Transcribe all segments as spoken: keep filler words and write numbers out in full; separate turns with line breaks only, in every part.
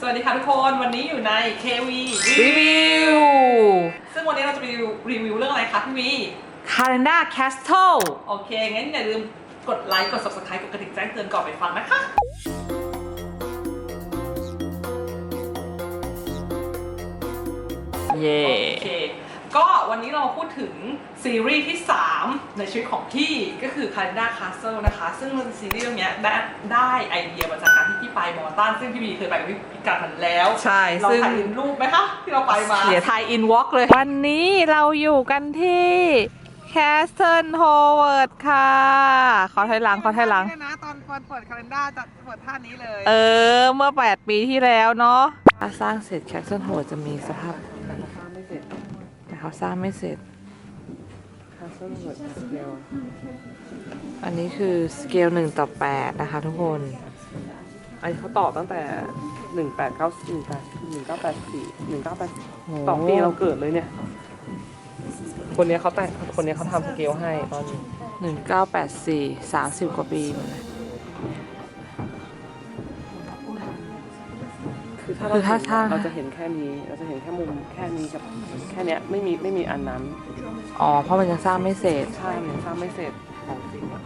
วัสดีค่ะทุกคนวันนี้อยู่ใน เค วี
รีวิว
ซึ่งวันนี้เราจะไปรีวิวเรื่องอะไรคะพี่วี
Calendar Castle
โอเคงั้นอย่าลืมกดไลค์กด ซับสไครบ์ กดกระดิ่งแจ้งเตือนก่อนไปฟังนะคะ
เย่
โอเคก็วันนี้เราพูดถึงซีรีส์ที่สามในชีวิตของพี่ก็คือ Calendar Castle นะคะซึ่งซีรีส์เรื่องนี้ได้ได้ไอเดียมาจากการที่พี่ไปมอตันซึ่งพี่บีเคยไปกับพี่พิการทันแล้ว
ใช่
เรา
ซึ่ง
ถ่ายรูปไหมคะที่เราไปมา
เดี๋ยวไทยอินวอล์กเลย วันนี้เราอยู่กันที่ Castle Howard ค่ะ ขอถอยหลังขอถอยหลัง
นะตอนเปิด Calendar จะเปิดท่านี้เลย
เออ เมื่อ แปด ปีที่แล้วเนาะถ้าสร้างเสร็จ Castle Howard จะมีสภาพ แต่เขาสร้างไม่เสร็จ อันนี้คือสเกลหนึ่งต่อแปดนะคะทุกคน
อันนี้เขาต่อตั้งแต่หนึ่งแปดเก้าหนึ่งแปดหนึ่งเก้าแปดสี่หนึ่งเก้าแปดต่อปีเราเกิดเลยเนี่ย คนนี้เขาแต่งคนนี้เขาทำสเกลให้ตอนนี้
หนึ่งเก้าแปดสี่ สามสิบกว่าปีหมดเลย
คือถ้า
คือ
เรา
ถ้าถ้า
เราจะเห็นแค่นี้เราจะเห็นแค่มุมแค่นี้กับแค่เนี้ยไม่มีไม่มีอันนั้น
อ๋อ เพราะมันยังสร้างไม่เสร็จ
ใช่มันสร้างไม่เสร็จของจริงอะ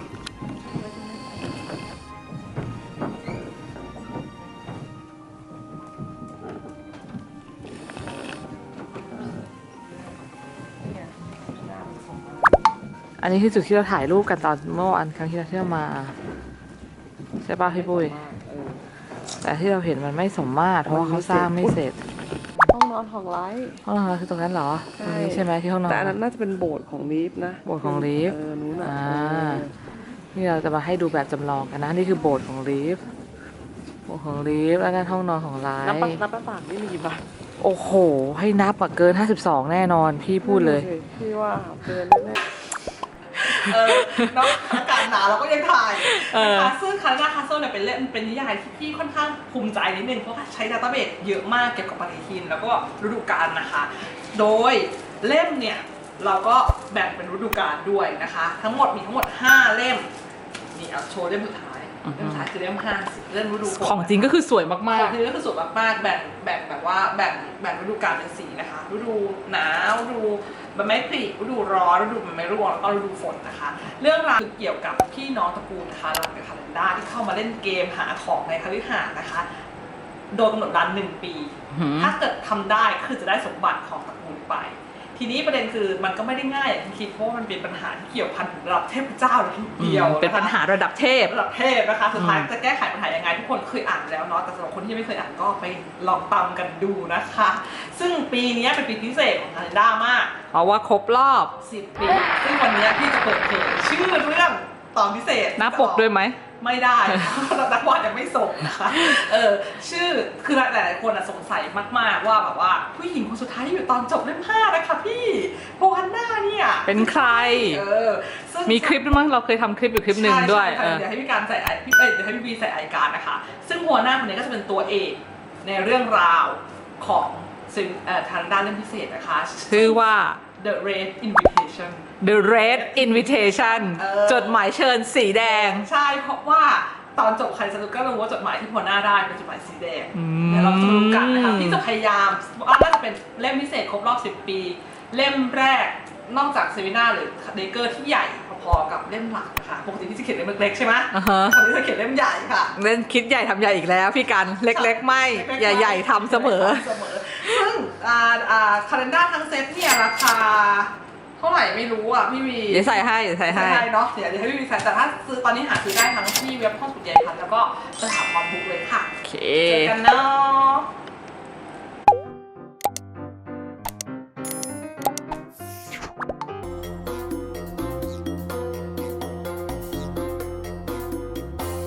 อันนี้คือจุดที่เราถ่ายรูปกันตอนเมื่อวันครั้งที่เราเที่ยวมา ใช่ป่ะพี่ปุ้ย
เออ
แต่ที่เราเห็นมันไม่สมมาตรเพราะว่าเขาสร้างไม่เสร็จ
ห้องนอนของไลท์
ห้องนอนคือตรงนั้นเหรอตรงนี้ใช่ไหมที่ห้องนอน
แต่อันนั้นน่าจะเป็นโบสถ์ของลีฟนะ
โบสถ์ของลีฟ
เออนู้นอ่ะ
อ่า
เออ
นี่เราจะมาให้ดูแบบจำลองกันนะนี่คือโบสถ์ของลีฟโบสถ์ของลีฟแล้วนั่นห้องนอนของไล
นับปะ
ท์
นับประปากนี่มีกี่บาท
โอ้โห ให้นับอะเกินห้าสิบสองแน่นอนพี่พูดเลย
พี่ว่าเกินแน่
เออเนาะอากาศหนาวเราก็ยังถ่าย
เออ
นะคะซึ่ง Calendar Castle เนี่ยเป็นเล่มเป็นนิยายที่พี่ค่อนข้างภูมิใจนิดนึงเพราะว่าใช้ดัตต้าเบสเยอะมากเกี่ยวกับปฏิทินแล้วก็ฤดูกาลนะคะ โดยเล่มเนี่ยเราก็แบ่งเป็นฤดูกาลด้วยนะคะ ทั้งหมดมีทั้งหมดห้าเล่มนี่เอาโชว์เล่มสุดท้ายเล่มสุดท้ายคือเล่มห้าเล่มฤดูฝน
ของจริงก็คือสวย
ข
มา
อก งคือก็คือสวยมากๆแบ่งแบ่งแบบว่าแบ่งแบ่งฤดูกาลเป็นสีนะคะฤดูหนาวฤดูใบไม้ผลิฤดูร้อนฤดูใบไม้ร่วงแล้วก็ฤดูฝนนะคะ เรื่องราวเกี่ยวกับพี่น้องตระกูลคารันกับคารันดาที่เข้ามาเล่นเกมหาของในคฤหาสน์นะคะ โดยกำหนดเวลาหนึ่งปี
หืม
ถ้าเกิดทำได้คือจะได้สมบัติของตระกูลไป ทีนี้ประเด็นคือมันก็ไม่ได้ง่ายอย่างที่คิดเพราะว่ามันเป็นปัญหาที่เกี่ยวพันถึงระดับเทพเจ้าเลยทีเดียว
เป็นปัญหาระดับเทพ
ระดับเทพนะคะสุดท้าย
อืม
จะแก้ไขปัญหายังไงทุกคนเคยอ่านแล้วเนาะแต่สำหรับคนที่ไม่เคยอ่านก็ไปลองตามกันดูนะคะ ซึ่งปีนี้เป็นปีพิเศษของคาเลนด้ามาก
เพราะว่าครบรอบ
สิบปี ซึ่งวันนี้พี่จะเปิดเผยชื่อเรื่องตอนพิเศษ
หน้าปกด้วยไหม
ไม่ได้ เพราะนักวาดยังไม่ส่งนะคะเออชื่อคือหลายๆคนสงสัยมากๆว่าแบบว่าผู้หญิงคนสุดท้ายที่อยู่ตอนจบเล่มห้านะคะพี่โพฮันน่าเนี่ย
เป็นใคร
เออซึ่ง
มีคลิปด้วยมั้งเราเคยทำคลิปอยู่คลิปหนึ่งด้วย
ใช่
เอ
ใช่
อ
เดี๋ยวให้พี่การใส่ไอพี่เอ้ยเดี๋ยวให้พี่บีใส่ไอการนะคะ ซึ่งหัวหน้าคนนี้ก็จะเป็นตัวเอกในเรื่องราวของซึ่งเอ่อทางด้านเล่มพิเศษนะคะ
ชื่อว่า
The Red Invitation
The Red Invitation
เออ
จดหมายเชิญสีแดง
ใช่เพราะว่าตอนจบใครสนุกก็รู้ว่าจดหมายที่หัวหน้าได้เป็นจดหมายสีแดง
อืม
เดี๋ยวเราจะมาดูกันนะคะพี่จะพยายามว่าน่าจะเป็นเล่มพิเศษครบรอบสิบปี เล่มแรกนอกจากเซมินาหรือเดเกอร์ที่ใหญ่พอๆกับเล่มหลักนะคะปกติที่จะเขียนเล่มเล็กๆใช่ไหม
อ่าฮะ
คราวนี้จะเขียนเล่มใหญ่ค่ะ
เล่นคิดใหญ่ทำใหญ่อีกแล้วพี่กันเล็กๆ ไม่ ใหญ่ๆทำเสมอ
เสมอซึ่งอ่าอ่าคาเลนด้าทั้งเซตเนี่ยราคาเท่าไหร่ไม่รู้อ่ะพี่วี
เดี๋ยวใส่ให้เดี๋ยวใส่ให้
ใช่เนาะเดี๋ยวเดี๋ยวให้พี่วีใส่แต่ถ้าซื้อตอนนี้หาซื้อได้ทั้งที่เว็บห้องสุดใหญ่พันแล้วก็สถาบันบุ๊กเลยค่ะ
โอเค
เจอกันเนาะ